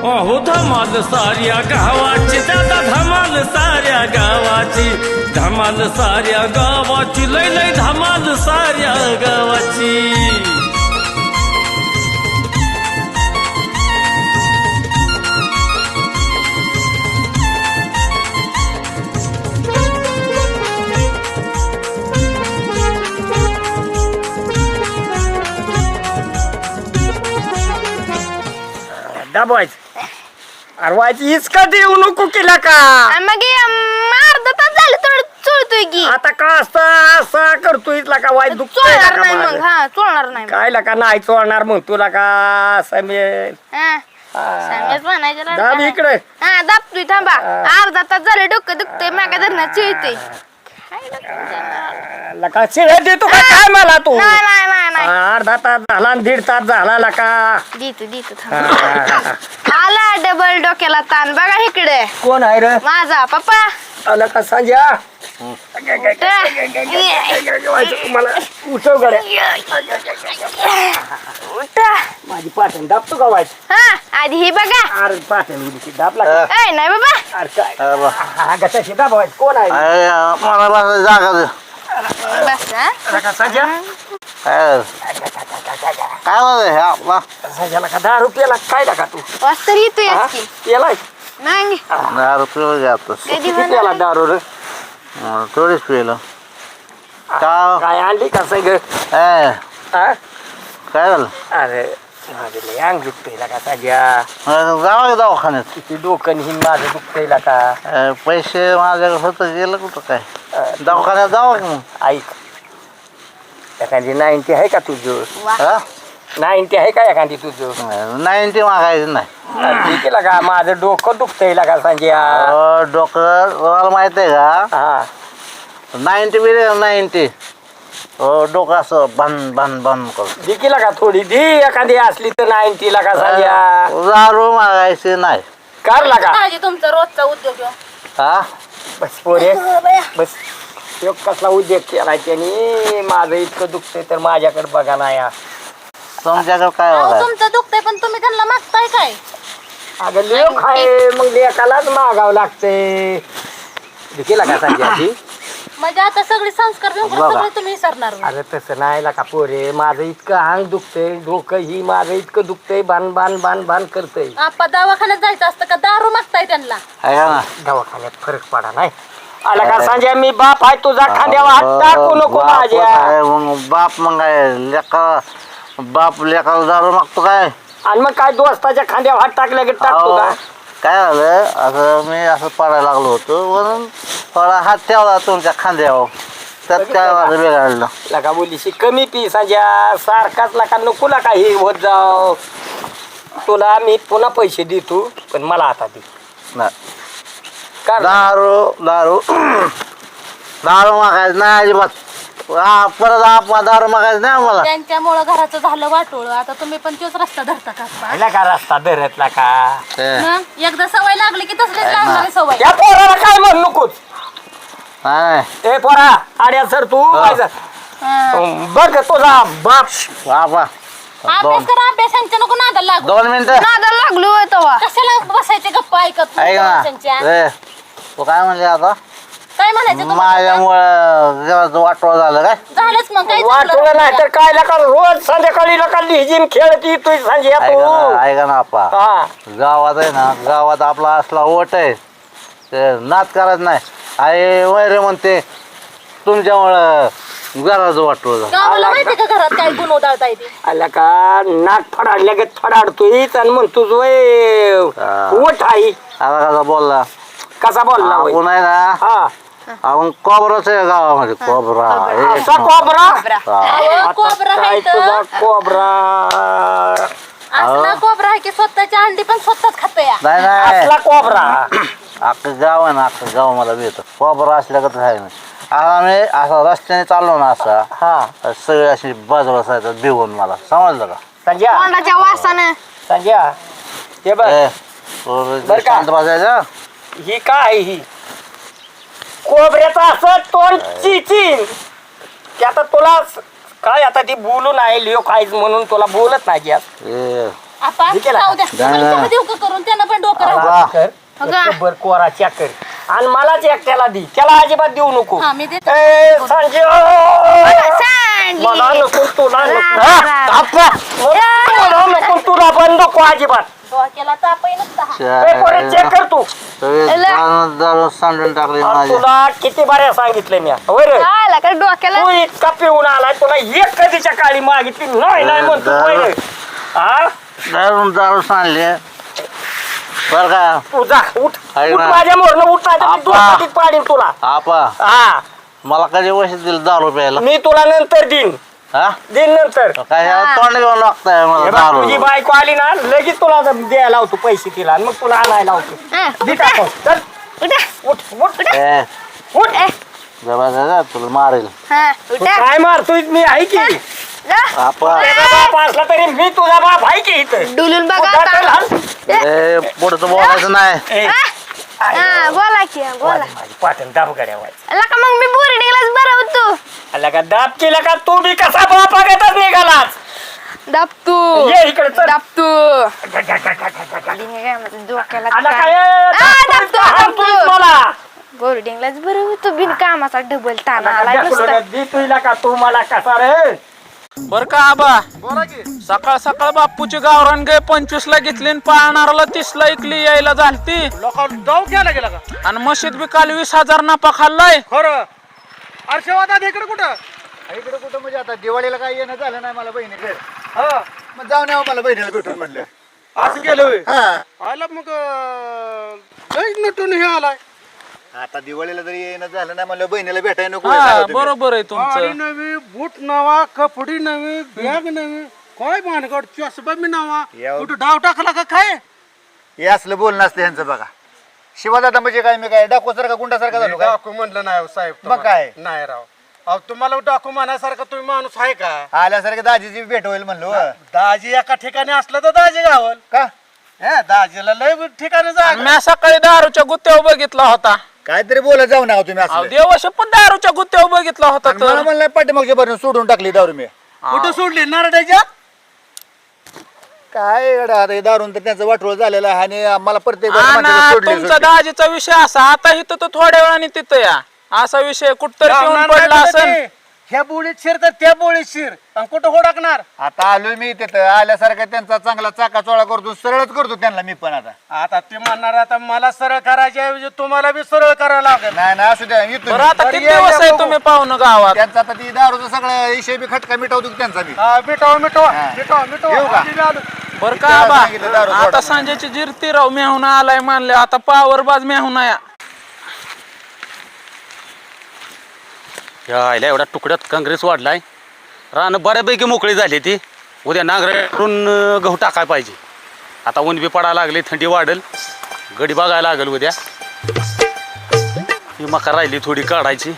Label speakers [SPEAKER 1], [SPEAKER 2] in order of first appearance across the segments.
[SPEAKER 1] अहो धमाल साऱ्या गावाची दादा धमाल साऱ्या गावाची धमाल साऱ्या गावाची लय लय धमाल साऱ्या गावाची
[SPEAKER 2] दाबायचं अरे व्हायची इसका देऊ नको केला का
[SPEAKER 3] मग अर्धा तास झालं थोडं चोळतोय की
[SPEAKER 2] आता का असा करतोय का वाईट दुखतोय
[SPEAKER 3] चोळणार नाही मग हा चोळणार नाही
[SPEAKER 2] काय का नाही चोळणार मग तुला का समेल
[SPEAKER 3] हा सांगेच म्हणायचं ना.
[SPEAKER 2] दाब इकडे
[SPEAKER 3] हा दाबतोय थांबा अर्धा तास झालं डोकं दुखतोय मागा धरणं चिळतोय
[SPEAKER 2] लका शिळे देतो का काय मला तू
[SPEAKER 3] नाही नाही नाही नाही
[SPEAKER 2] अर्धा तास झाला आणि 1.5 तास झाला लका
[SPEAKER 3] देतो थांबा आला डबल डोक्याला ताण बघा इकडे
[SPEAKER 2] कोण आहे रे
[SPEAKER 3] माझा पप्पा
[SPEAKER 2] आला का संजय मला उठव गड्या
[SPEAKER 3] उठा
[SPEAKER 2] माझी पाठण दाबतो का वाईट
[SPEAKER 3] हा आधी ही बघा
[SPEAKER 2] अरे पाठण उडी दाबला का?
[SPEAKER 3] ए नाही बाबा
[SPEAKER 2] अरे काय हा गटाशी दाबायचं कोण आहे
[SPEAKER 4] मला बस जागा दे.
[SPEAKER 3] बस हा
[SPEAKER 2] लका संजय
[SPEAKER 4] काय होत हे आपला
[SPEAKER 2] संजयला का 10 रुपयाला काय टाका तू
[SPEAKER 3] वाजता येतोय
[SPEAKER 2] हा?
[SPEAKER 3] की
[SPEAKER 2] पेलाय
[SPEAKER 3] नाही
[SPEAKER 4] 10 रुपये घ्यातच
[SPEAKER 3] कधी
[SPEAKER 2] किती पेला
[SPEAKER 3] म्हणा
[SPEAKER 2] दारू रे
[SPEAKER 4] थोडीच पिलं का
[SPEAKER 2] काय आणली का सग
[SPEAKER 4] ए काय झालं
[SPEAKER 2] अरे माझे लय अंग दुखतंय का संजय
[SPEAKER 4] जावा की दवाखान्यात
[SPEAKER 2] किती डोकं हिन माझं दुखतंय का
[SPEAKER 4] पैसे माझ्याकडे होतं गेलं कुठं काय दवाखान्यात जावा की मग
[SPEAKER 2] ऐक एखादी 90 आहे का तुझं
[SPEAKER 4] हा
[SPEAKER 2] 90 आहे का एखादी तुझं
[SPEAKER 4] 90 मागायचं नाही
[SPEAKER 2] ठीक आहे का माझं डोकं दुखतंय का संजय
[SPEAKER 4] डॉक्टर तुम्हाला माहित आहे का
[SPEAKER 2] हा
[SPEAKER 4] 90 बिले 90 डोकं असं बन करतो
[SPEAKER 2] दिकीला का थोडी दी एखादी असली तर 90 ला का संजय
[SPEAKER 4] दारू मागायची नाही
[SPEAKER 2] कारला का
[SPEAKER 3] तुमचा रोजचा उद्योग
[SPEAKER 4] हा
[SPEAKER 2] बस पोरे बस ह्यो कसला उद्योग केलाय त्यांनी माझं इतकं दुखतंय तर माझ्याकडे बघा ना या
[SPEAKER 4] तुमच्याकडे काय बघाय
[SPEAKER 3] तुमचं दुखतंय पण तुम्ही त्यांना मागताय काय
[SPEAKER 2] अगं लेख आहे मग लेखालाच मागावं लागतंय दिकीला का संजय
[SPEAKER 3] म्हणजे आता सगळे संस्कार
[SPEAKER 4] बघा.
[SPEAKER 3] सगळे तुम्ही विसरणार
[SPEAKER 2] अरे तसं नाही का पोरे माझं इतकं अंग दुखतंय डोकं ही माझं इतकं दुखतंय बाण करतंय
[SPEAKER 3] आपण दवाखान्यात जायचं असतं का दारू मागताय त्यांना
[SPEAKER 4] आहे का ना
[SPEAKER 2] दवाखान्यात फरक पडा नाही आला का संजय मी बाप आहे तुझा खांद्यावर हात टाकू नको
[SPEAKER 4] बाप
[SPEAKER 2] माझ्या
[SPEAKER 4] आहे, मग बाप मग काय लेका बाप लेकाला दारू मागतो काय
[SPEAKER 2] आणि मग काय दोस्ताच्या खांद्यावर हात टाकल्या की टाकतो का
[SPEAKER 4] अहो, काय झालं असं मी असं पडायला लागलो होतो म्हणून थोडा हात ठेवला तुमच्या खांद्यावर त्यात काय माझं बिघडलं
[SPEAKER 2] लका बोलीशी कमी पी संजय सारखाच लका नको लका हे होत जाव तुला मी पुन्हा पैसे देतो पण मला आता दे
[SPEAKER 4] नाही
[SPEAKER 2] का रे?
[SPEAKER 4] दारू मागायचं नाही अजिबात परत आपण दारू मागायचं नाही आम्हाला
[SPEAKER 3] त्यांच्यामुळं घराचं झालं वाटोळ आता तुम्ही पण तोच रस्ता धरता का
[SPEAKER 2] पाहिला का रस्ता धरतला का
[SPEAKER 3] मग एकदा सवय लागली की तसलीच लागणारी सवय
[SPEAKER 2] या पोराला काय म्हण नकोच
[SPEAKER 4] नाही
[SPEAKER 2] ए पोरा आड्या सर तू बघ तुझा बाप
[SPEAKER 4] बाबा
[SPEAKER 3] अभ्यास करा अभ्यासांच्या नको नादाला लागू
[SPEAKER 4] 2 मिनिटं
[SPEAKER 3] नादाला लागलो तेव्हा कशाला बसायचे गप्पा ऐकत
[SPEAKER 4] ऐक ना
[SPEAKER 3] त्यांच्या
[SPEAKER 4] ए, तू काय म्हणले आता
[SPEAKER 3] काय म्हणायचं तुम्हाला?
[SPEAKER 4] माझ्यामुळं जरा वाटोळ झालं काय
[SPEAKER 3] झालंच मग काय
[SPEAKER 2] वाटलं नाही तर काय लका रोज संध्याकाळी लका लिहिजीन खेळत येतोय संजय तू
[SPEAKER 4] ऐका ना आपा
[SPEAKER 2] हा
[SPEAKER 4] गावात आहे ना गावात आपला असला ओट आहे ते नाद करत नाही आई वैरे म्हणते तुमच्यामुळं घराचं वाटोळ झालं
[SPEAKER 3] गावाला माहिती का घरात काय गुण उधळता येते
[SPEAKER 2] आला का नाक फडाडल्या गे फडाडतोय आणि म्हणतो वय उठ आई
[SPEAKER 4] आता कसा बोलला
[SPEAKER 2] कसा बोलला वय?
[SPEAKER 4] आपण आहे ना
[SPEAKER 2] हा
[SPEAKER 4] आपण कोबराच आहे गावामध्ये कोबरा
[SPEAKER 2] असा कोबरा
[SPEAKER 3] अहो, कोबरा
[SPEAKER 2] काय
[SPEAKER 3] आहे
[SPEAKER 2] तुझा
[SPEAKER 3] तर.
[SPEAKER 2] कोबरा
[SPEAKER 3] असला कोबरा आहे की स्वतःची अंडी पण स्वतःच खाते
[SPEAKER 4] नाही नाही
[SPEAKER 2] असला कोबरा
[SPEAKER 4] अख्खं गाव आहे ना अख्खं गाव मला भेट कोबरा असल्यागत आहे ना आता मी असं रस्त्याने चाललो ना असा
[SPEAKER 2] हा
[SPEAKER 4] सगळे अशी बाजूला असायचं भिवून मला समजलं का
[SPEAKER 2] संजय
[SPEAKER 3] तोंडाच्या वासानं
[SPEAKER 2] संजय हे बघ
[SPEAKER 4] ए, तू
[SPEAKER 2] बरं का?
[SPEAKER 4] शांत बसायचं
[SPEAKER 2] ही काय ही कोबऱ्याचं असं तोंड चिचिन की आता तुला काय आता ती बोलून आहे लिओ खायच म्हणून तुला बोलत नाही आज
[SPEAKER 4] ए
[SPEAKER 5] आपा
[SPEAKER 2] हे केला
[SPEAKER 5] जाऊ द्या
[SPEAKER 4] जा,
[SPEAKER 5] तुम्हाला
[SPEAKER 4] जा.
[SPEAKER 5] चहा देऊ का करून त्यांना पण डोकं राहू
[SPEAKER 2] कोरा कर,
[SPEAKER 3] अगं.
[SPEAKER 2] खबर कोरा चॅकर आणि मलाच एकट्याला दी, त्याला अजिबात देऊ नको.
[SPEAKER 5] हा, मी देते.
[SPEAKER 2] ए, सांजे,
[SPEAKER 3] सांडली.
[SPEAKER 2] मला नको तुला नको.
[SPEAKER 3] रा,
[SPEAKER 2] हा,
[SPEAKER 3] रा.
[SPEAKER 2] आप्पा, मला नको तुला पण नको अजिबात.
[SPEAKER 5] डोक्याला तापही नसता
[SPEAKER 2] ए, पोरे, चेक कर तू.
[SPEAKER 4] दारू सांडून टाकली
[SPEAKER 2] आणि
[SPEAKER 4] माझी.
[SPEAKER 2] तुला किती बाऱ्या सांगितलं मी होय रे?
[SPEAKER 3] आला का डोक्याला
[SPEAKER 2] तू इतका पिऊन आलाय, तुला एक कधीच्या काळी मागितली नाही नाही म्हणतो होय रे? हा,
[SPEAKER 4] दारू सांडली बर का
[SPEAKER 2] तू जा उठ
[SPEAKER 4] आहे
[SPEAKER 2] उठ,
[SPEAKER 4] ना.
[SPEAKER 2] माझ्या मोरनं उठ नाही तर मी
[SPEAKER 4] आप्पा.
[SPEAKER 2] दुचाकीत पाडीन तुला.
[SPEAKER 4] आपा
[SPEAKER 2] हा,
[SPEAKER 4] मला कधी पैसे दिले दारू प्यायला
[SPEAKER 2] मी तुला नंतर देईन
[SPEAKER 4] हा
[SPEAKER 2] नंतर.
[SPEAKER 4] काय तोंड घेऊन लागताय मला
[SPEAKER 2] हे बघ,
[SPEAKER 4] दारू
[SPEAKER 2] तुझी बायको आली ना लगेच तुला द्यायला लावतो पैसे तिला आणि मग तुला आणायला लावतो.
[SPEAKER 3] हा,
[SPEAKER 2] दे
[SPEAKER 3] उठा,
[SPEAKER 2] टाकून. चल,
[SPEAKER 3] उठा.
[SPEAKER 2] उठ उठ
[SPEAKER 4] ए
[SPEAKER 2] उठ.
[SPEAKER 4] जबा दादा तुला मारेल
[SPEAKER 3] हा,
[SPEAKER 2] तू
[SPEAKER 3] उठा.
[SPEAKER 2] काय मारतोय मी आहे की
[SPEAKER 3] जा.
[SPEAKER 4] आपा
[SPEAKER 2] तुझा बाप असला तरी मी तुझा बाप आहे की इथं.
[SPEAKER 3] डुलून बघा
[SPEAKER 2] उठा, चल,
[SPEAKER 3] आता.
[SPEAKER 2] हल.
[SPEAKER 4] ए पुढचं बोलायचं नाही
[SPEAKER 2] ए,
[SPEAKER 3] हा, बोला की बोला.
[SPEAKER 2] माझी पाटण दाब गड्या व्हायचं.
[SPEAKER 3] आला का मग मी बोर्डिंगलाच बरं होतो.
[SPEAKER 2] आला का दाब केला का तू बी कसा बाप आगतच निघालास.
[SPEAKER 3] दाबतू
[SPEAKER 2] ये इकडे चल.
[SPEAKER 3] दाबतू
[SPEAKER 2] आला काय
[SPEAKER 3] दाबतो
[SPEAKER 2] मला
[SPEAKER 3] बोर्डिंगलाच बरं होतो बिन कामाचा डबल ताना आलाय नुसता.
[SPEAKER 2] दे तुला का तू मला कसा रे.
[SPEAKER 6] बर का आबा सकाळ सकाळ बापूची गावरान गाय 25 ला घेतली आणि पाळणाराला 30 ला इकली यायला झालती
[SPEAKER 7] जाऊ घ्यायला गेला का
[SPEAKER 6] आणि मशीद बी काल 20,000 नफा खाल्लाय.
[SPEAKER 7] खरं अर्शवाद आता इकडे कुठं इकडे कुठं म्हणजे आता दिवाळीला काय येणं झालं नाही मला बहिणीकडे हा मग जाऊन यावं मला बहिणीला भेटून म्हणलं असं गेलं आला मग नटून हे आलाय आता दिवाळीला जरी येणं झालं नाही म्हणलं बहिणीला भेटायला नको
[SPEAKER 6] हा, बरोबर आहे
[SPEAKER 7] गाडी
[SPEAKER 6] तुमचं.
[SPEAKER 7] नवी बूट नवा कपडी नवी बॅग नवी काय भानगड चष्मा बी नवा कुठं डाव टाकला का काय
[SPEAKER 8] हे असलं बोलणं असतं यांचं बघा शिवादादा म्हणजे काय मी काय डाकूसारखा गुंडासारखा झालो काय
[SPEAKER 7] डाकू म्हणलं नाही साहेब
[SPEAKER 8] मग काय?
[SPEAKER 7] नाही राव अहो तुम्हाला डाकू म्हणायसारखा तुम्ही माणूस आहे का
[SPEAKER 8] आल्यासारखं दाजीची भेट होईल म्हणलो हो.
[SPEAKER 7] दाजी एका ठिकाणी असलं तर दाजी गावल
[SPEAKER 8] का
[SPEAKER 7] दाजीला लय ठिकाणी जा
[SPEAKER 6] मी सकाळी दारूच्या गुत्त्यावर बघितला होता.
[SPEAKER 8] काहीतरी बोलत जाऊ नका तुम्ही
[SPEAKER 6] अहो,
[SPEAKER 8] असलं
[SPEAKER 6] देवाशी पण दारूच्या गुत्त्यावर बघितला होता
[SPEAKER 8] आणि मला
[SPEAKER 6] तर
[SPEAKER 8] म्हणलं पाठीमागच्या भरून सोडून टाकली दारू मी
[SPEAKER 7] कुठं सोडली नारड्याच्या
[SPEAKER 8] काय गड्या, आता हे दारून तर त्यांचं वाटोळ झालेलं आहे आणि मला प्रत्येक वेळेला
[SPEAKER 6] हा
[SPEAKER 8] म्हणतात
[SPEAKER 6] ना,
[SPEAKER 8] सोडली,
[SPEAKER 6] तुमचा
[SPEAKER 8] सोडली.
[SPEAKER 6] दाजीचा विषय असा आता इथं तर थोड्या वेळाने तिथं या असा विषय कुठतरी पिऊन पडला असेल.
[SPEAKER 7] ह्या बोळीत शिर तर त्या बोळीत शिर आणि कुठं होडकणार
[SPEAKER 8] आता आलोय मी तिथं आल्यासारखं त्यांचा चांगला चाकाचोळा करतो सरळच करतो त्यांना मी पण आता
[SPEAKER 7] आता ते म्हणणार आता मला सरळ करायच्या ऐवजी तुम्हाला बी सरळ करावं लागेल
[SPEAKER 8] नाही ना असू द्या येतो
[SPEAKER 6] बरं
[SPEAKER 8] मी.
[SPEAKER 6] आता किती दिवस आहे तुम्ही पाहुणं गावात?
[SPEAKER 8] त्यांचा आता ती दारूचा सगळं विषय बी खटका मिटवतो की त्यांचा बी
[SPEAKER 7] मिटवा मिटवा
[SPEAKER 8] हा.
[SPEAKER 7] मिटवा मिटवा
[SPEAKER 8] येऊ का?
[SPEAKER 7] आम्ही बी आलो.
[SPEAKER 6] बर का
[SPEAKER 8] त्याला
[SPEAKER 6] बा
[SPEAKER 8] सांगितलं दारू
[SPEAKER 6] आता
[SPEAKER 8] सोडा.
[SPEAKER 6] सांजेची जिरती राव मेहून आलाय मानले आता पावर बाज मेहून या
[SPEAKER 9] यायला एवढ्या तुकड्यात काँग्रेस वाढलाय रानं बऱ्यापैकी मोकळी झाली ती उद्या नांगरातून गहू टाकाय पाहिजे आता ऊन बी पडायला लागले थंडी वाढेल गडी बघायला लागेल उद्या ही मका राहिली थोडी काढायची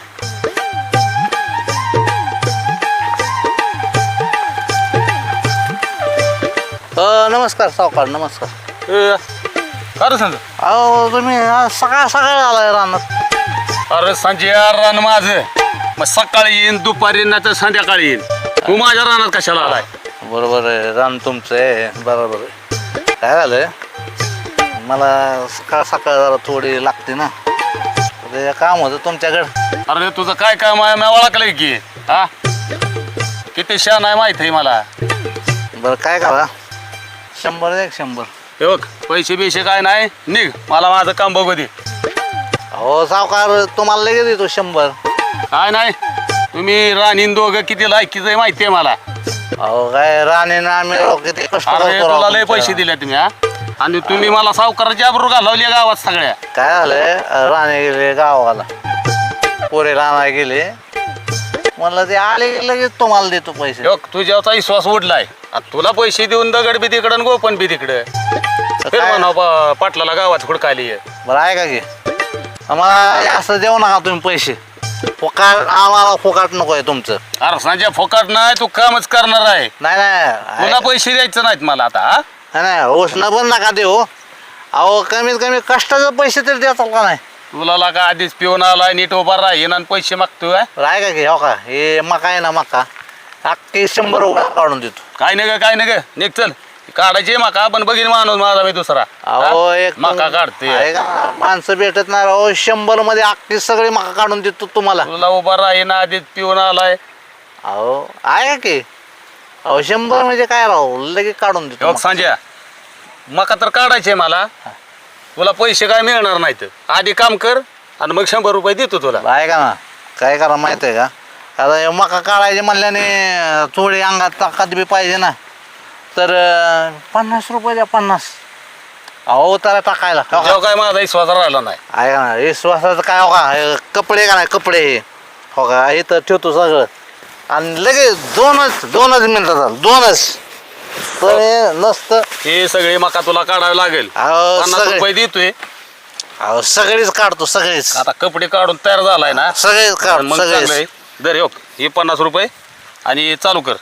[SPEAKER 4] नमस्कार सावकार नमस्कार.
[SPEAKER 9] अरे सांग
[SPEAKER 4] अहो तुम्ही आज सकाळ सकाळ आलाय रानात.
[SPEAKER 9] अरे संजय रान माझं मग सकाळी येईन दुपारी नाही तर संध्याकाळी येईन तू माझ्या रानात कशाला आलाय
[SPEAKER 4] बरोबर आहे रान तुमचं आहे बरोबर आहे. काय झालं मला सकाळ सकाळ जरा थोडी लागते ना ते काम होतं तुमच्याकडं.
[SPEAKER 9] अरे तुझं काय काम आहे मी ओळखलंय की हा किती शान आहे माहित आहे मला
[SPEAKER 4] बरं काय करा 100 एक 100.
[SPEAKER 9] हे बघ पैसे बिशे काय नाही निघ मला माझं काम बघू दे
[SPEAKER 4] हो सावकार तुम्हाला लगेच देतो 100.
[SPEAKER 9] काय नाही तुम्ही राणीन दोघं किती लायकीचं आहे माहिती आहे मला
[SPEAKER 4] अहो काय राणीनं आम्ही राव किती कष्ट
[SPEAKER 9] अरे
[SPEAKER 4] करतो राव
[SPEAKER 9] तुला लय
[SPEAKER 4] तुमच्या.
[SPEAKER 9] पैसे दिले तुम्ही हा आणि तुम्ही मला सावकाराची आबरू घालवली गावात सगळ्या
[SPEAKER 4] काय झालंय राणे गेले गावाला पोरे राणा गेले म्हणलं ते आले की लगेच तुम्हाला देतो पैसे.
[SPEAKER 9] बघ तुझ्याचा विश्वास उडलाय आता तुला पैसे देऊन दगड बी तिकडं आणि गोपन बी तिकडं फिर
[SPEAKER 4] काय?
[SPEAKER 9] म्हणा पाटलाला गावात हुडकाली
[SPEAKER 4] बरं आहे का की आम्हाला असं देऊ नका तुम्ही पैसे फुकाट आम्हाला फुकाट नको आहे तुमचं.
[SPEAKER 9] अरे संजय फोकाट नाही तू कामच करणार आहे
[SPEAKER 4] नाही नाही
[SPEAKER 9] तुला पैसे द्यायचे नाहीत मला आता हा
[SPEAKER 4] नाही उष्ण पण नका देऊ. अहो कमीत कमी कष्टाचे पैसे तरी देताल का नाही.
[SPEAKER 9] तुला लागा आधीच पिऊन आलाय नीट उभा राहीन आणि पैसे मागतोय
[SPEAKER 4] बरं आहे का की हो का हे मका आहे ना मका अख्खी 100 रुपये काढून देतो.
[SPEAKER 9] काय नग निघ चल काढायची मका पण बघीन माणूस माझा मी दुसरा
[SPEAKER 4] अहो
[SPEAKER 9] हा?
[SPEAKER 4] एक
[SPEAKER 9] मका काढते
[SPEAKER 4] आहे का? माणसं भेटत नाही राव 100 मध्ये अख्खी सगळी मका काढून देतो तुम्हाला.
[SPEAKER 9] तुला उभा राहीन आधीच पिऊन आलाय
[SPEAKER 4] अहो आहे की अहो 100 म्हणजे काय राव लगेच काढून देतो
[SPEAKER 9] योग
[SPEAKER 4] मका.
[SPEAKER 9] सांज्या मका तर काढायचे मला तुला पैसे काय मिळणार नाहीत आधी काम कर आणि मग 100 रुपये देतो तुला.
[SPEAKER 4] आहे का ना काय करा माहित आहे का आता हे मका काढायचे म्हणल्याने थोडी अंगात ताकद बी पाहिजे ना तर 50 रुपये द्या 50. अहो त्याला टाकायला हो का?
[SPEAKER 9] तेव्हा काय माझा विश्वास राहिला नाही.
[SPEAKER 4] आहे का ना विश्वासाचं काय हो का हे कपडे का नाही कपडे हो का इथं ठेवतो सगळं आणि लगेच दोनच मिनिटात झालं 2च तर हे नसतं.
[SPEAKER 9] हे सगळे मका तुला काढावे लागेल
[SPEAKER 4] अहो
[SPEAKER 9] 50
[SPEAKER 4] सगळे
[SPEAKER 9] रुपये देतोय
[SPEAKER 4] अहो सगळीच काढतो सगळीच
[SPEAKER 9] आता कपडे काढून तयार झालाय ना
[SPEAKER 4] सगळेच काढ
[SPEAKER 9] मग
[SPEAKER 4] सगळेच
[SPEAKER 9] चांगलंय. दर योग हे 50 रुपये आणि चालू कर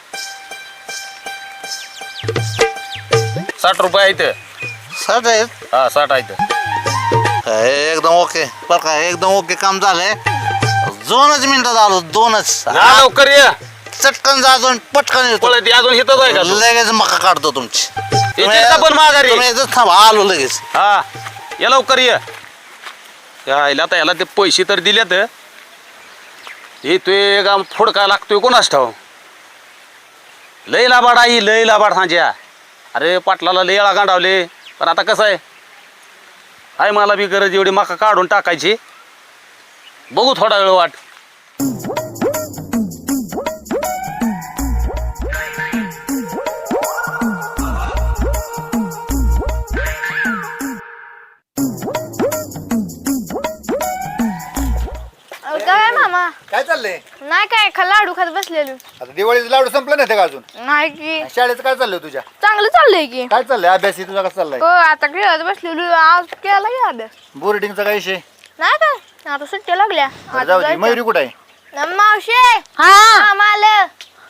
[SPEAKER 9] 60 रुपये आहेत
[SPEAKER 4] सट आहेत
[SPEAKER 9] हा 60 आहेत
[SPEAKER 4] एकदम ओके बरं का एकदम ओके काम झालंय 2च मिनिटात आलो 2च
[SPEAKER 9] या लवकर ये
[SPEAKER 4] चटकन जातो आणि पटकन येतो
[SPEAKER 9] पळत ये, अजून हिथंच आहे का तू?
[SPEAKER 4] लगेच मका काढतो तुमची
[SPEAKER 9] येते का पण माघारी?
[SPEAKER 4] तुम्ही इथंच थांबा आलो लगेच
[SPEAKER 9] हा या लवकर ये यायला आता याला ते पैसे तर दिलेत येतोय का फोडका लागतोय कोणाच ठाव लय लाबाड आई लय लाबाड सांज्या अरे पाटलाला लय येळा गांडावले पण आता कसं आहे मला बी गरज एवढी मका काढून टाकायची बघू थोडा वेळ वाट
[SPEAKER 3] काय मामा
[SPEAKER 8] काय चाललंय
[SPEAKER 3] नाही काय लाडू खात बसलेलो.
[SPEAKER 8] आता दिवाळीचं लाडू संपलं नाही का अजून
[SPEAKER 3] नाही की
[SPEAKER 8] शाळेचं काय चाललंय तुझ्या
[SPEAKER 3] चांगलं चाललंय की.
[SPEAKER 8] काय चाललंय अभ्यास तुझा कसा चाललाय
[SPEAKER 3] हो आता खेळत बसलेलो आज केला की अभ्यास.
[SPEAKER 8] बोर्डिंगचा काय विषय
[SPEAKER 3] नाही काय आता सुट्ट्या लागल्या आता
[SPEAKER 8] जाऊ दे
[SPEAKER 3] जायचं.
[SPEAKER 8] मयुरी कुठे आहे
[SPEAKER 3] मावशी हा माल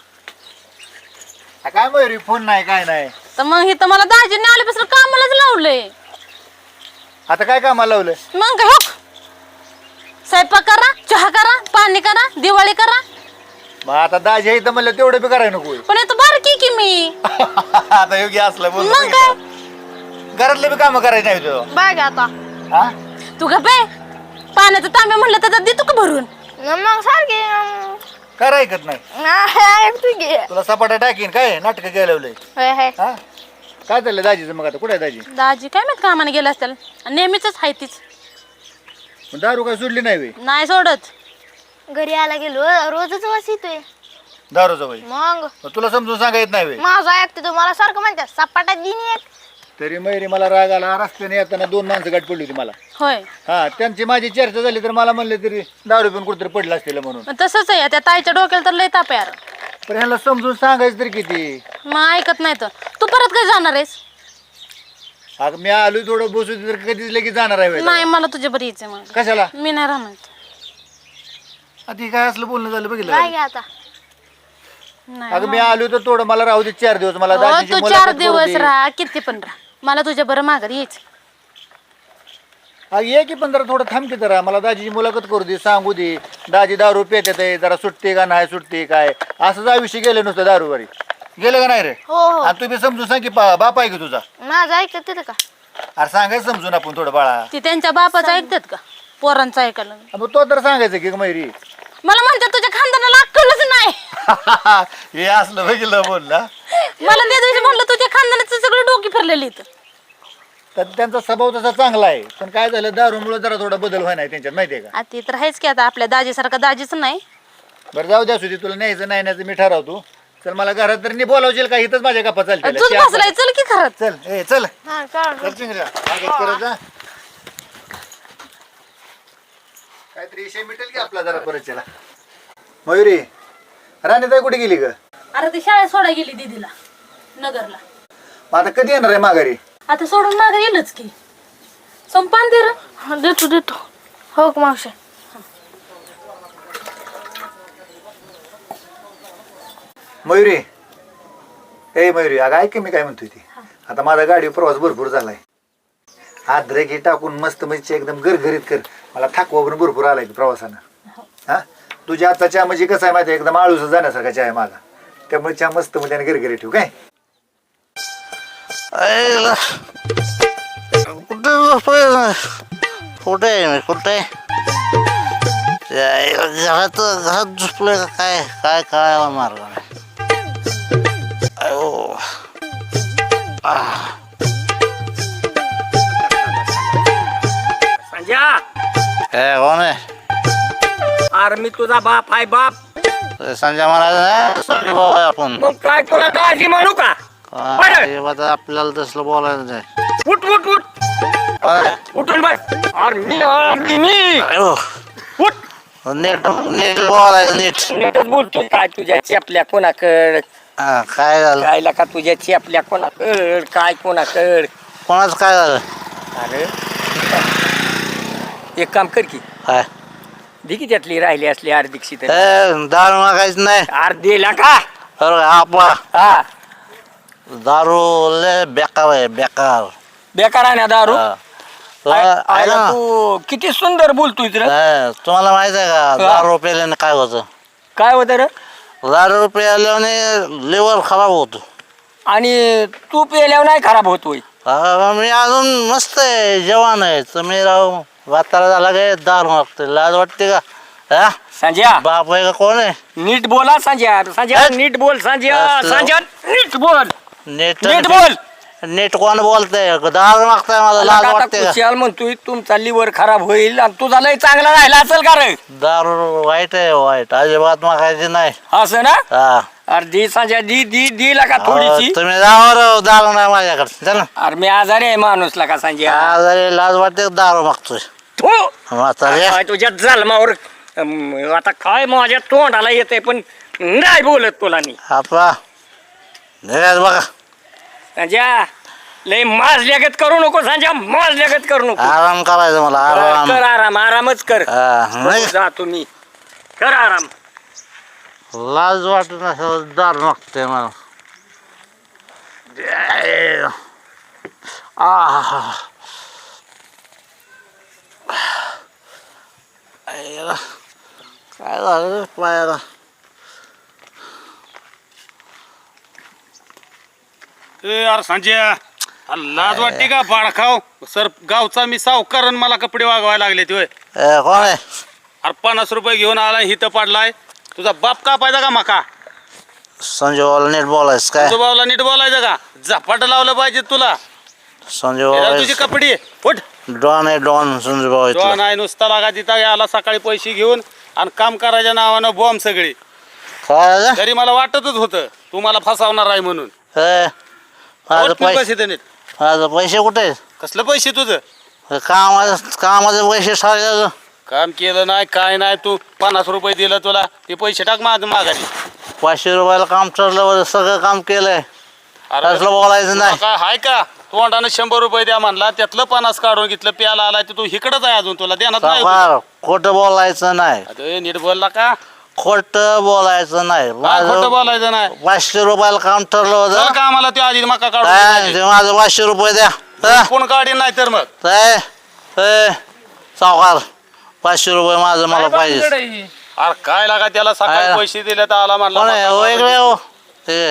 [SPEAKER 8] काय मयुरी फोन नाही काय नाही
[SPEAKER 5] तर मग इथं मला दाजीने आल्यापासून कामालाच लावलंय.
[SPEAKER 8] आता काय कामाला लावलं
[SPEAKER 5] मग काय हो स्वयंपाक करा चहा करा पाणी करा दिवाळी करा
[SPEAKER 8] मग आता दाजी आहे इथं म्हणलं तेवढं बी करायला नको
[SPEAKER 5] पण इथं बारकी की मी
[SPEAKER 8] आता योग्य असलं बोल
[SPEAKER 5] मग काय
[SPEAKER 8] घरातले बी काम करायचे नाही तुझं
[SPEAKER 3] बघ आता
[SPEAKER 8] हा
[SPEAKER 5] तू का बे पाण्याचं तांबे म्हणलं तर देतो का भरून
[SPEAKER 3] मग सारखे
[SPEAKER 8] कर ऐकत नाही
[SPEAKER 3] ऐकतो की.
[SPEAKER 8] तुला सपाटा टाकीन काय नाटक घ्यायला लावलंय
[SPEAKER 3] होय, होय.
[SPEAKER 8] हा काय चाललंय दाजीचं मग आता कुठे आहे दाजी
[SPEAKER 5] दाजी काय माहित कामाने गेला असतील नेहमीच आहे तीच
[SPEAKER 8] मग दारू काय सोडली नाही वे
[SPEAKER 5] नाही सोडत
[SPEAKER 3] घरी आला गेलो रोजच वास येतोय
[SPEAKER 8] दारूचं बाई
[SPEAKER 3] मग
[SPEAKER 8] तुला समजून सांगा येत नाही वे
[SPEAKER 3] माझं ऐकतो तुम्हाला सारखं म्हणतात सपाटात दिन एक
[SPEAKER 8] तरी मैरी मला राग आला रस्त्याने येताना 2 माणसं गाठ पडली होती मला
[SPEAKER 5] होय
[SPEAKER 8] हा त्यांची माझी चर्चा झाली तर मला म्हणले तरी दारू पिऊन कुठेतरी पडलं असतील म्हणून
[SPEAKER 5] मग तसंच आहे त्या ताईच्या डोक्याला तर लय ताप आहे यार.
[SPEAKER 8] पण ह्याला समजून सांगायचं तरी किती
[SPEAKER 5] मग ऐकत नाही तर तू परत काय जाणार आहेस
[SPEAKER 8] अगं मी आलो थोडं बसू तर कधीच लगेच जाणार आहे वेळेला.
[SPEAKER 5] नाही मला तुझ्या बरी यायचंय मग
[SPEAKER 8] कशाला
[SPEAKER 5] मी नाही राहणार
[SPEAKER 8] आधी काय असलं बोलणं झालं बघितलं
[SPEAKER 3] काय
[SPEAKER 8] का?
[SPEAKER 3] घ्या आता
[SPEAKER 5] नाही
[SPEAKER 8] अगं मी आलो तर थोडं मला राहू दे 4 दिवस मला
[SPEAKER 5] हो,
[SPEAKER 8] दाजीची
[SPEAKER 5] तू
[SPEAKER 8] मुलाखत
[SPEAKER 5] 4
[SPEAKER 8] करू
[SPEAKER 5] दिवस
[SPEAKER 8] दे.
[SPEAKER 5] राहा किती पण राहा मला तुझ्या बरं माघारी यायचं
[SPEAKER 8] अगं ये की पण जरा थोडं थांब की जरा मला दाजीची मुलाखत करू दे सांगू दे दाजी दारू पेतात आहे जरा सुटते का नाही सुटते काय असं आयुष्य गेलं नुसतं दारूवरी गेलं का नाही रे
[SPEAKER 3] हो हो
[SPEAKER 8] आणि तुम्ही समजून सांग की बाप आहे की तुझा
[SPEAKER 3] माझं ऐकत तिथं का
[SPEAKER 8] अरे सांगायचं समजून आपण थोडं बाळा
[SPEAKER 5] ती त्यांच्या बापाचं ऐकतात का पोरांचं ऐकायला
[SPEAKER 8] मग तो तर सांगायचं की मैरी
[SPEAKER 5] मला म्हणतात तुझ्या खानदानाला अक्कलच नाही
[SPEAKER 8] हे असलं बघितलं बोलला
[SPEAKER 5] मला त्या दिवशी म्हणलं तुझ्या खानदानाचं सगळं डोकी फिरलेली इथं
[SPEAKER 8] तर त्यांचा स्वभाव तसा चांगला आहे पण काय झालं दारूमुळे जरा थोडा बदल व्हाय नाही त्यांच्यात माहितीये का
[SPEAKER 5] ते तर आहेच की आता आपल्या दाजीसारखा दाजीच नाही
[SPEAKER 8] बरं जाऊ द्या सुधी तुला न्यायचं नाही न्यायचं मी ठरवतो चल मला घरात तर नाही बोलावशील का इथंच माझ्या गप्पा चालतील
[SPEAKER 5] चल बसलाय चल की खरंच
[SPEAKER 8] चल ए चल
[SPEAKER 3] हा चालेल.
[SPEAKER 8] चल चिंगऱ्या मागत करत जा काहीतरी विषय मिटेल की आपला जरा परत चला मयुरी राणीताई कुठे गेली ग
[SPEAKER 5] अरे ती शाळेत सोडा गेली दीदीला नगरला
[SPEAKER 8] मग आता कधी येणार आहे माघारी
[SPEAKER 5] आता सोडून मागे येईलच की संपान दे रे
[SPEAKER 3] हा, देतो देतो हो का मावशी
[SPEAKER 8] मयुरी ए मयुरी अगं ऐक की मी काय म्हणतोय ती आता माझा गाडी प्रवास भरपूर झालाय आद्रक हे टाकून मस्त म्हणजे एकदम गरगरीत कर मला थकवा पण भरपूर आलाय की प्रवासानं हा तुझ्या हातचा चहा म्हणजे कसं आहे माहिती आहे, एकदम आळूस जाण्यासारखा चहा आहे माझा त्यामुळे चहा मस्त म्हणजे गरगरीत ठेवू काय
[SPEAKER 4] आईला. कुठे झोपलोय? कुठे आहे मी? कुठे त्या आईला घरात झोपलोय का काय? काय कळायला मार्ग नाही. अयो.
[SPEAKER 2] संजय,
[SPEAKER 4] हे कोण आहे?
[SPEAKER 2] अरे मी तुझा बाप आहे बाप.
[SPEAKER 4] संजय महाराज संजय भाऊ आहे आपण.
[SPEAKER 2] मग काय तुला काळजी म्हणू का?
[SPEAKER 4] आता आपल्याला तसलं बोलायचं नाही.
[SPEAKER 2] उठ उठ उठ उठून बस. अरे मी
[SPEAKER 4] अयो.
[SPEAKER 2] उठ.
[SPEAKER 4] नीट नीट बोलायचं नीट.
[SPEAKER 2] नीटच बोलतो. काय तुझ्या चेपल्या कोणाकड?
[SPEAKER 4] हा, काय झालं?
[SPEAKER 2] कायला का तुझ्या चेपल्या कोणाकड? काय कोणाकड?
[SPEAKER 4] कोणाच काय झालं?
[SPEAKER 2] अरे एक काम कर की,
[SPEAKER 4] काय
[SPEAKER 2] दे की त्यातली राहिली असली अर्धिकशी तर.
[SPEAKER 4] दारू मागायचं नाही.
[SPEAKER 2] अर्धीला का?
[SPEAKER 4] अरे आपला
[SPEAKER 2] हा
[SPEAKER 4] दारू लय बेकार आहे बेकार.
[SPEAKER 2] बेकार आहे ना दारू.
[SPEAKER 4] हा.
[SPEAKER 2] आयला तू किती सुंदर बोलतोय रे.
[SPEAKER 4] तुम्हाला माहित आहे का दारू प्यायल्याने काय होतं?
[SPEAKER 2] काय होतं रे?
[SPEAKER 4] दारू प्यायल्याने लिव्हर खराब होतो.
[SPEAKER 2] आणि तू पेल्यावर नाही खराब होतोय.
[SPEAKER 4] मी अजून मस्त आहे जवान आहे. तुम्ही राहू वातारा झाला काय दारू मागते. लाज वाटते का? हा
[SPEAKER 2] संजय
[SPEAKER 4] बाप आहे का कोण आहे?
[SPEAKER 2] नीट बोला संजय. संजय नीट बोल. संजय संजय नीट बोल.
[SPEAKER 4] नीट
[SPEAKER 2] नीट बोल.
[SPEAKER 4] नीट कोण बोलतंय? दारू मागताय मला लाज वाटते का?
[SPEAKER 2] कुशाल म्हणतोय तुमचा लिव्हर खराब होईल आणि तुझा लय चांगला राहिला असेल का रे?
[SPEAKER 4] दारू वाईट आहे वाईट. अजिबात मागायची नाही.
[SPEAKER 2] असं ना?
[SPEAKER 4] हा
[SPEAKER 2] अर्धी संजय दी दी दी का थोडीशी.
[SPEAKER 4] तुम्ही जावा दारू नाही माझ्याकडे. चला
[SPEAKER 2] अरे मी आजारी आहे माणूस का संजय.
[SPEAKER 4] आजारी लाज वाटते दारू मागतोय. म्हातारे
[SPEAKER 2] काय तुझ्या जन्मावर आता काय माझ्या तोंडाला येते पण नाही बोलत तुला मी.
[SPEAKER 4] आपा निघायचं बघा.
[SPEAKER 2] संजय लय माजल्यागत करू नको संजय. माजल्यागत करू नको.
[SPEAKER 4] आराम करायचं मला आराम.
[SPEAKER 2] कर आराम. आरामच कर.
[SPEAKER 4] नाही
[SPEAKER 2] जा तुम्ही कर आराम.
[SPEAKER 4] लाज वाटत नसेल दारू मागतोय मला. काय झालं पायाला?
[SPEAKER 9] अरे संजय, अरे लाज वाटते का? बाळखाव सर गावचा मी सावकार आणि मला कपडे वागवायला लागले ते.
[SPEAKER 4] कोण आहे?
[SPEAKER 9] अरे 50 रुपये घेऊन आलाय हिथं पाडलाय. तुझा बाप का पाहिजे का मका?
[SPEAKER 4] संजय भाऊला नीट बोलायचं काय?
[SPEAKER 9] तुझं भाऊला नीट बोलायचं का? झपाट लावलं पाहिजे तुला.
[SPEAKER 4] संजय
[SPEAKER 9] तुझी
[SPEAKER 4] भाऊ
[SPEAKER 9] कपडे उठ.
[SPEAKER 4] डॉन आहे डॉन संजय भाऊ
[SPEAKER 9] तो
[SPEAKER 4] इथला.
[SPEAKER 9] नाही नुसता लागा तिथं आला सकाळी पैसे घेऊन आणि काम करायच्या नावानं बॉम्ब सगळे.
[SPEAKER 4] काय झालं?
[SPEAKER 9] तरी मला वाटतच होतं तू मला फसावणार आहे म्हणून.
[SPEAKER 4] माझं
[SPEAKER 9] उठ, तू
[SPEAKER 4] पैसे
[SPEAKER 9] पैसे देणे.
[SPEAKER 4] माझं पैसे कुठे आहेत?
[SPEAKER 9] कसलं पैसे तुझं?
[SPEAKER 4] कामाचे पैसे सारे
[SPEAKER 9] काम केलं नाही काय नाही. तू 50 रुपये दिलं तुला ते पैसे टाक माझं माघारी.
[SPEAKER 4] 500 रुपयाला काम ठरलं सगळं काम केलंय. असलं बोलायचं नाही.
[SPEAKER 9] काय हाय का? तोंडानं 100 रुपये द्या म्हणला त्यातलं 50 काढून घेतलं प्याला आलाय तर तू इकडंच आहे अजून तुला देणार नाही.
[SPEAKER 4] सावकार, खोटं बोलायचं नाही.
[SPEAKER 9] अरे नीट बोलला का?
[SPEAKER 4] खोटं बोलायचं नाही.
[SPEAKER 9] काय खोटं बोलायचं नाही.
[SPEAKER 4] 500 रुपयाला काम ठरलं होतं.
[SPEAKER 9] का आम्हाला ते आधी मका
[SPEAKER 4] काय
[SPEAKER 9] काढून
[SPEAKER 4] ते माझं 500 रुपये द्या.
[SPEAKER 9] कोण काढीन नाही तर मग
[SPEAKER 4] सावकार 500 रुपये माझं मला पाहिजे.
[SPEAKER 9] अरे काय लागा त्याला सकाळी पैसे दिले तर आला म्हणला
[SPEAKER 4] कोण आहे?
[SPEAKER 9] मका
[SPEAKER 4] हो
[SPEAKER 9] काढून
[SPEAKER 4] इकडे हो. ते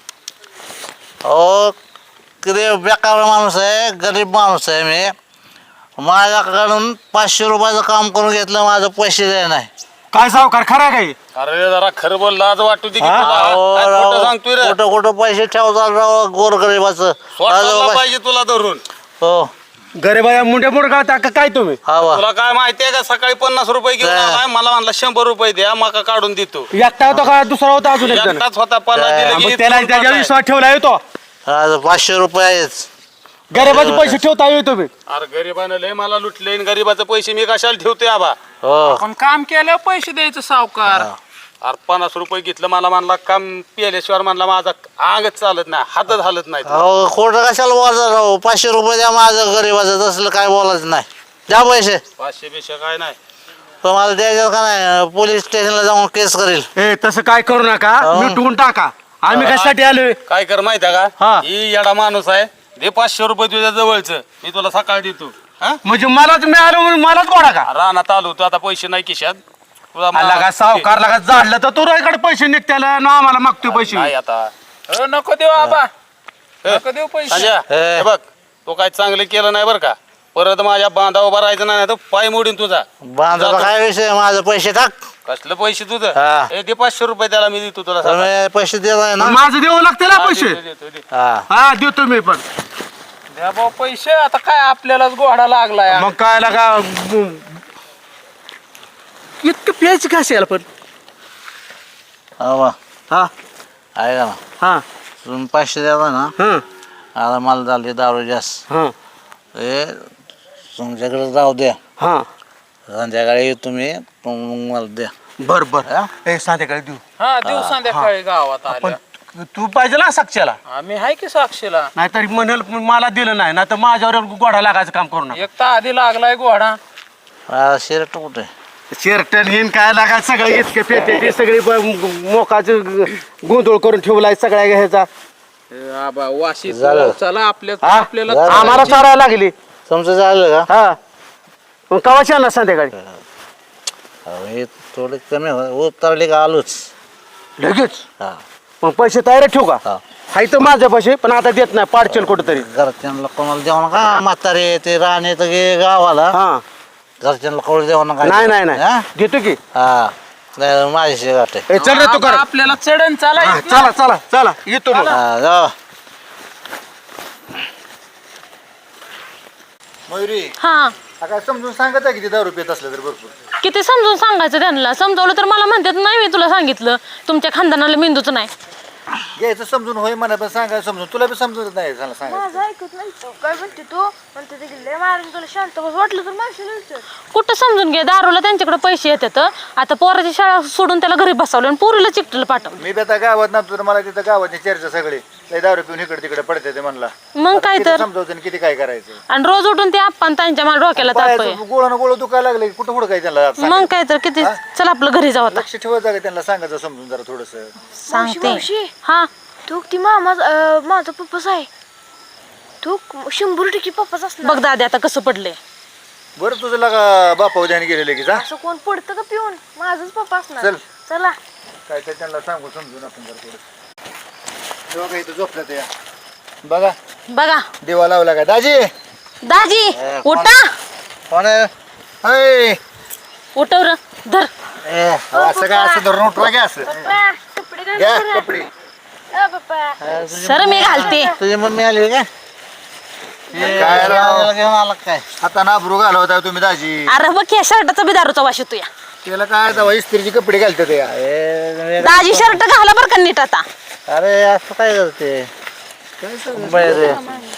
[SPEAKER 4] हो किती बेकार माणूस आहे. गरीब माणूस आहे मी. माझ्याकडून 500 रुपयाचं काम करून घेतलं. माझं पैसे द्याय नाही.
[SPEAKER 7] काय सावकार खरा काय?
[SPEAKER 9] अरे जरा खरं बोल लाज वाटू दे की तुला. काय खोटं सांगतोय रे?
[SPEAKER 4] कुठं कुठं पैसे ठेवतात राव गोरगरीबाचं.
[SPEAKER 9] स्वतःला पाहिजे तुला धरून.
[SPEAKER 4] हो
[SPEAKER 7] गरीबाया मुंड्या मुंडका टाका काय तुम्ही?
[SPEAKER 4] हा बा.
[SPEAKER 9] तुला काय माहितीये का? सकाळी 50 रुपये घेऊन आलाय मला म्हणला 100 रुपये द्या मका काढून देतो.
[SPEAKER 7] एकटा होता का दुसरा होता अजून एक जण?
[SPEAKER 9] एकटाच होता 50 दिले की
[SPEAKER 7] त्याला
[SPEAKER 9] इथून
[SPEAKER 7] त्याच्या
[SPEAKER 9] पाठवाय.
[SPEAKER 7] विश्वास ठेवला येतो.
[SPEAKER 4] आज 500 रुपये आहेत.
[SPEAKER 7] गरीबाचे पैसे ठेवता येतो तुम्ही.
[SPEAKER 9] अरे गरीबानं लय मला लुटले आणि गरीबाचे पैसे मी कशाला ठेवते आबा?
[SPEAKER 4] हो
[SPEAKER 6] पण काम केल्यावर पैसे द्यायचं सावकार.
[SPEAKER 9] अरे 50 रुपये घेतलं मला म्हणला काम पिल्याशिवाय म्हणला माझा अंगच चालत नाही हातच हालत नाही.
[SPEAKER 4] अहो खोटं कशाला बोलायचं राव? 500 रुपये द्या माझं गरीबाचं. तसलं काय बोलायचं नाही. द्या पैसे.
[SPEAKER 9] 500 बिशे काय नाही.
[SPEAKER 4] तुम्हाला द्यायचं का नाही? पोलीस स्टेशनला जाऊन केस करील.
[SPEAKER 7] ए तसं काय करू नका. मिटवून टाका. आम्ही कशासाठी आलोय?
[SPEAKER 9] काय कर माहिती आहे का?
[SPEAKER 7] हा.
[SPEAKER 9] ही येडा माणूस आहे. दे 500 रुपये तुझ्या जवळचं मी तुला सकाळी देतो. हा?
[SPEAKER 7] म्हणजे मलाच मिळालं म्हणून मलाच गोडा का?
[SPEAKER 9] रानात आलो तू आता पैसे नाही खिशात. तुला
[SPEAKER 7] आला का सावकार लागा जाडलं तर तो इकडे पैसे निघत्याला ना आम्हाला मागतोय पैसे.
[SPEAKER 9] नाही आता
[SPEAKER 6] नको देऊ आबा. नका देऊ पैसे
[SPEAKER 9] संजय हे बघ तो काय चांगलं केलं नाही बरं का परत माझ्या बांधा उभा राहायचं नाही तर पाय मोडीन तुझा
[SPEAKER 4] बांधायला काय विषय माझं पैसे टाक
[SPEAKER 9] कसलं पैसे तुझं
[SPEAKER 4] हा.
[SPEAKER 9] हे दे 500 रुपये त्याला मी देतो तुला सकाळी.
[SPEAKER 4] तुम्ही पैसे देताय ना
[SPEAKER 7] माझं देऊ लागते ना
[SPEAKER 9] हा,
[SPEAKER 7] पैसे
[SPEAKER 9] दे, दे, दे, दे.
[SPEAKER 4] हा
[SPEAKER 7] हा देतो मी पण
[SPEAKER 6] द्या भाऊ पैसे आता काय आपल्यालाच गोडा लागलाय
[SPEAKER 7] मग काय लागा इतकं प्यायचं काय असेल पण
[SPEAKER 4] हा वा.
[SPEAKER 7] हा
[SPEAKER 4] ऐका ना
[SPEAKER 7] हा
[SPEAKER 4] तुम्ही पैसे द्या ना
[SPEAKER 7] हा
[SPEAKER 4] आता मला झाली दारू जास्त
[SPEAKER 7] हा
[SPEAKER 4] हे तुमच्याकडे जाऊ द्या
[SPEAKER 7] हा
[SPEAKER 4] संध्याकाळी येतो तुम्ही मला द्या
[SPEAKER 7] बर बर ए संध्याकाळी देऊ
[SPEAKER 6] हा देऊ संध्याकाळी गावात
[SPEAKER 7] पण
[SPEAKER 6] आल्या
[SPEAKER 7] तू पाहिजे ना साक्षीला
[SPEAKER 6] आम्ही आहे की साक्षीला
[SPEAKER 7] नाहीतर म्हणेल मला दिलं नाही ना तर माझ्यावर गोडा लागायचं काम करू नका
[SPEAKER 6] एक तर आधी लागलाय घोडा
[SPEAKER 4] शर्ट कुठे
[SPEAKER 7] शेरटन हिन काय लागायचं सगळं इतके पेटे ते सगळी मोकाचं गोंधळ करून ठेवलाय सगळ्या ह्याचा
[SPEAKER 6] आबा वाशी
[SPEAKER 4] झालं.
[SPEAKER 6] चला आपल्या
[SPEAKER 7] हा?
[SPEAKER 6] आपल्याला
[SPEAKER 4] झालं.
[SPEAKER 7] आम्हाला चारायला लागली
[SPEAKER 4] तुमचं झालं का
[SPEAKER 7] हा मग कवाची आणला संध्याकाळी
[SPEAKER 4] अहो, हे थोडे कमी उतरले का आलोच
[SPEAKER 7] लगेच
[SPEAKER 4] हा
[SPEAKER 7] मग पैसे तयार ठेवू का
[SPEAKER 4] हा
[SPEAKER 7] हाय तर माझे पैसे पण आता देत नाही पाडचेल कुठेतरी
[SPEAKER 4] घरच्यांना कोणाला देऊ नका म्हातारे ते राहणे तर गे गावाला
[SPEAKER 7] हा
[SPEAKER 4] घरच्यांना कळू देऊ नका
[SPEAKER 7] नाही नाही नाही
[SPEAKER 4] हा?
[SPEAKER 7] देतो की
[SPEAKER 4] हा नाही, माझ्याशी गाठ आहे
[SPEAKER 7] ए, चल रे तू
[SPEAKER 6] आबा,
[SPEAKER 7] कर
[SPEAKER 6] आपल्याला चढण चालाय
[SPEAKER 7] चला चला चला येतो मग
[SPEAKER 4] हा, जाऊ.
[SPEAKER 8] मयुरी
[SPEAKER 5] हा
[SPEAKER 8] काय समजून सांगत आहे किती दारू पित असलं तर भरपूर
[SPEAKER 5] किती समजून सांगायचं त्यांना समजावलं तर मला म्हणतात नाही मी तुला सांगितलं तुमच्या खानदानाला मेंदूच नाही
[SPEAKER 8] घ्यायचं समजून होय म्हणा पण सांगायचं समजून तुला बी समजत नाही सांगा सांगायचं
[SPEAKER 3] माझं ऐकत नाही तो. काय म्हणते तू म्हणते ते गेले मारून तुला शांत बस वाटलं तर माणसं
[SPEAKER 5] कुठं समजून घे दारूला त्यांच्याकडे पैसे येतात आता पोराची शाळा सोडून त्याला घरी बसवलं आणि पोरीला चिकटलं पाठवलं
[SPEAKER 8] मी बी आता गावात नव्हतो तर मला तिथं गावाची चर्चा सगळी लय दारू पिऊन इकडे तिकडे पडते ते म्हणला
[SPEAKER 5] मग काय तर
[SPEAKER 8] समजावतं आणि किती काय करायचं
[SPEAKER 5] आणि रोज उठून ते आपण त्यांच्या मला डोक्याला ताप आहे.
[SPEAKER 8] पायाचं गोळानं गोळ दुखायला लागले कुठं कुठं काय त्यांना
[SPEAKER 5] मग
[SPEAKER 8] सांगायचं?
[SPEAKER 5] काय तर किती चल आपलं घरी जाऊ आता
[SPEAKER 8] लक्ष ठेवायचं का त्यांना सांगायचं समजून जरा थोडस
[SPEAKER 5] सांगते
[SPEAKER 3] मावशी.
[SPEAKER 5] हा
[SPEAKER 3] तू ती माझा पप्पाच आहे तू 100% पप्पाच असणार
[SPEAKER 5] बघ दादा आता कसं पडलंय
[SPEAKER 8] बरं तुझं लागा बापा ध्यान गेलेले की जा
[SPEAKER 3] असं कोण पडतं का पिऊन माझाच पप्पा असणार
[SPEAKER 8] चल.
[SPEAKER 3] चला
[SPEAKER 8] काय तर त्यांना सांगू समजून आपण जरा थोडं तेव्हा काही इथं झोपलं ते बघा
[SPEAKER 5] बघा
[SPEAKER 8] देवा लावला का दाजी
[SPEAKER 5] दाजी उठा
[SPEAKER 4] कोण आहे?
[SPEAKER 8] हाय
[SPEAKER 5] उठव र धर
[SPEAKER 8] असं काय असं धरून उठवा घ्या असं
[SPEAKER 3] पप्पा कपडे घाल
[SPEAKER 8] घ्या
[SPEAKER 3] जरा.
[SPEAKER 8] कपडे
[SPEAKER 3] पप्पा
[SPEAKER 5] सर मी घालते
[SPEAKER 4] तुझी मम्मी आली का
[SPEAKER 8] काय राव?
[SPEAKER 4] घेऊन आला काय
[SPEAKER 8] आता नाबरू घालवता तुम्ही दाजी
[SPEAKER 5] अरे बघ या शर्टाचा बी दारूचा वाश येतो या
[SPEAKER 8] त्याला काय दवा इस्त्रीचे कपडे घालतात या
[SPEAKER 5] दाजी शर्ट घाला बरं का नीट आता
[SPEAKER 4] अरे असं काय करते बाहेर ये.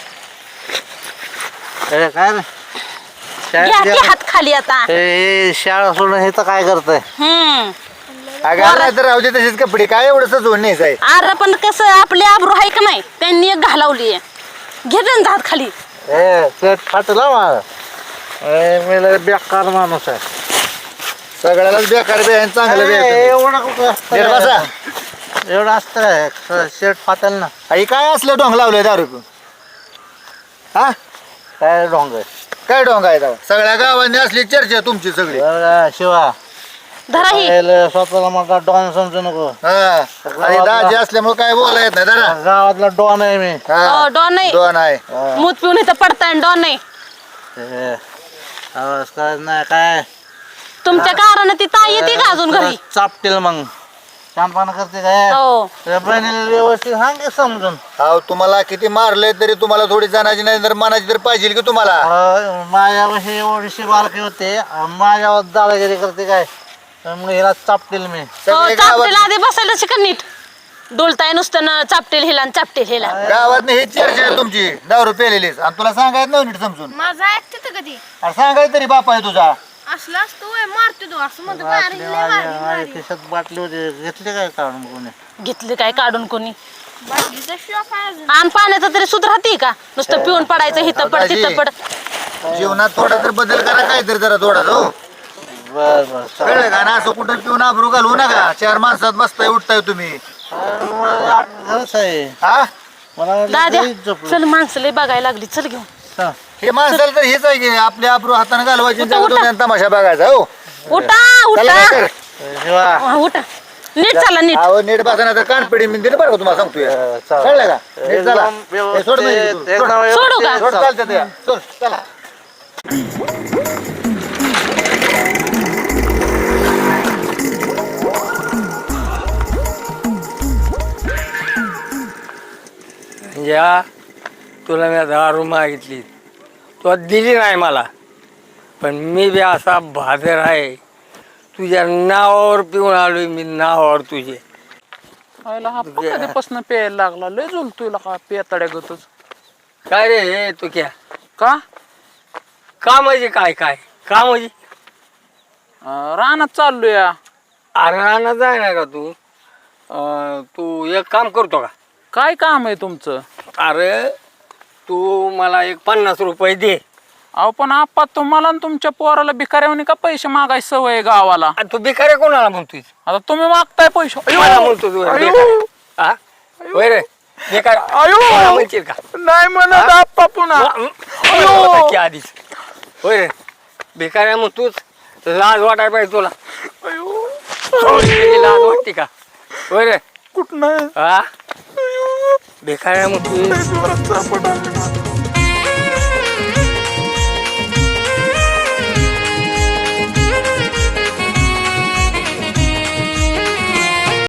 [SPEAKER 4] अरे काय रे
[SPEAKER 5] घ्या की हात खाली आता
[SPEAKER 4] हे शाळा सोडून हे तर काय करतंय
[SPEAKER 8] अगं नाही तर राहू दे तसेच कपडे काय एवढं सजवून न्यायचं आहे
[SPEAKER 5] अरे पण कसं आपली आबरू आहे का नाही त्यांनी एक घालावली घे त्यांचा हात खाली
[SPEAKER 4] ए ते फाटला माझा मी लय बेकार माणूस आहे
[SPEAKER 8] सगळ्यालाच बेकार बी आहे आणि चांगलं बी आहे तुम्ही.
[SPEAKER 4] एवढा कुठं असतं
[SPEAKER 8] नीट बसा.
[SPEAKER 4] एवढं असतं काय शर्ट फाटेल ना
[SPEAKER 8] आई काय असलं डोंग लावलंय दारू पिऊन हा
[SPEAKER 4] काय डोंग
[SPEAKER 8] काय डोंग आहे दावा सगळ्या गावांनी असली चर्चा तुमची सगळी
[SPEAKER 4] शिवा
[SPEAKER 5] धरा ही
[SPEAKER 4] स्वतःला मला डॉन समजू नको
[SPEAKER 8] हा आणि दाजी असल्यामुळे काय बोला येत नाही जरा
[SPEAKER 4] गावातला डॉन आहे मी
[SPEAKER 8] हा
[SPEAKER 5] डॉन नाही
[SPEAKER 8] दोन आहे
[SPEAKER 5] मूत पिऊन इथं पडताय डॉन नाही
[SPEAKER 4] हे, आवाज काय नाही काय
[SPEAKER 5] तुमच्या कारानं ती ताई येते का अजून घरी
[SPEAKER 4] चापतील मग शानपणा करते काय
[SPEAKER 5] हो
[SPEAKER 4] त्या बहिणीला व्यवस्थित सांग की समजून
[SPEAKER 8] हा तुम्हाला किती मारलंय तरी तुम्हाला थोडी जाण्याची नाही तर मनाची तर पाहिजे की तुम्हाला
[SPEAKER 4] माझ्यापाशी एवढीशी बालकी होते माझ्यावर दादागिरी करते काय मग हिला चापतील मी
[SPEAKER 8] सगळे
[SPEAKER 5] चापटेल आधी बसायला शिका नीट डोलताय नुसतं ना चापटेल हिला आणि चापटेल हिला
[SPEAKER 8] गावात ही चर्चा आहे तुमची दारू पेलेलीच आणि तुला सांगायचं नाही नीट समजून
[SPEAKER 3] माझा ऐकते तर कधी
[SPEAKER 8] अरे सांगायचं तरी बाप आहे तुझा
[SPEAKER 3] असला असतो होय, मारतो तो असं म्हणतो मारी लय मारी
[SPEAKER 4] माझ्या
[SPEAKER 3] मारी
[SPEAKER 4] खिशात बाटली होती घेतली काय काढून कोणी
[SPEAKER 5] घेतले काय काढून कोणी
[SPEAKER 3] बाटलीचा शॉप आहे अजून
[SPEAKER 5] आणि पाण्याचं तरी सुध राहते का नुसतं पिऊन पडायचं हिथं पड तिथं पड
[SPEAKER 8] जीवनात थोडा तर बदल करा काहीतरी जरा थोडा हो
[SPEAKER 4] बर बर
[SPEAKER 8] कळलं का ना असं कुठं पिऊन आबरू घालवू नका चार माणसात बसताय उठताय तुम्ही
[SPEAKER 4] खरंच आहे
[SPEAKER 8] हा
[SPEAKER 4] मला
[SPEAKER 5] दाद्या
[SPEAKER 4] लई झोपलं.
[SPEAKER 5] चल माणसं लय बघायला लागली चल घेऊन
[SPEAKER 4] हा.
[SPEAKER 8] हे माणसाला तर हेच आहे की आपल्या आबरू हाताने घालवायची आणि
[SPEAKER 5] उठा, उठा.
[SPEAKER 8] जगात तमाशा बघायचा हो
[SPEAKER 5] उठा
[SPEAKER 8] चला
[SPEAKER 5] उठा
[SPEAKER 8] काय कर.
[SPEAKER 4] शिवा
[SPEAKER 5] हा, उठा नीट चाला नीट.
[SPEAKER 8] अहो नीट बसा ना तर कानपिडी मी दिलं बरं का तुम्हाला सांगतोय कळलं का नीट चला हे सोड म्हणजे तू.
[SPEAKER 5] सोडू का?
[SPEAKER 8] सोड चालतं ते सोड चला
[SPEAKER 2] या तुला मी दारू मागितली तू दिली नाही मला पण मी बी असा बहादर आहे तुझ्या नावावर पिऊन आलोय मी नावावर तुझे
[SPEAKER 6] आयला हा कधीपासून प्यायला लागला लय झुलतोय का पेताड्या गतच.
[SPEAKER 2] काय रे हे तू क्या
[SPEAKER 6] का
[SPEAKER 2] का म्हणजे काय काय का म्हणजे
[SPEAKER 6] रानात चाललोय.
[SPEAKER 2] अरे रानात जाय ना का तू तू एक काम करतो का
[SPEAKER 6] काय काम आहे तुमचं?
[SPEAKER 2] अरे तू मला एक 50 रुपये दे
[SPEAKER 6] अहो पण आप्पा तुम्हाला आणि तुमच्या पोराला भिकाऱ्यावनी का पैसे मागायची सवय आहे गावाला?
[SPEAKER 2] आणि तू भिकारी कोणाला म्हणतोय
[SPEAKER 6] आता तुम्ही मागताय पैसे.
[SPEAKER 2] मला म्हणतो तू
[SPEAKER 6] अयो!
[SPEAKER 2] भिकारी. हा? होय रे भिकारी
[SPEAKER 6] अयो!
[SPEAKER 2] कोणाला म्हणशील का
[SPEAKER 6] नाही म्हणत आप्पा पुन्हा.
[SPEAKER 2] होता की आधीच होय रे भिकाऱ्या मग तूच लाज वाटायला पाहिजे तुला
[SPEAKER 6] अयो!
[SPEAKER 2] तुझी लाज वाटते का होय रे
[SPEAKER 6] कुठं
[SPEAKER 2] हा भिकाऱ्या मग तू
[SPEAKER 6] जोरात चापट आली.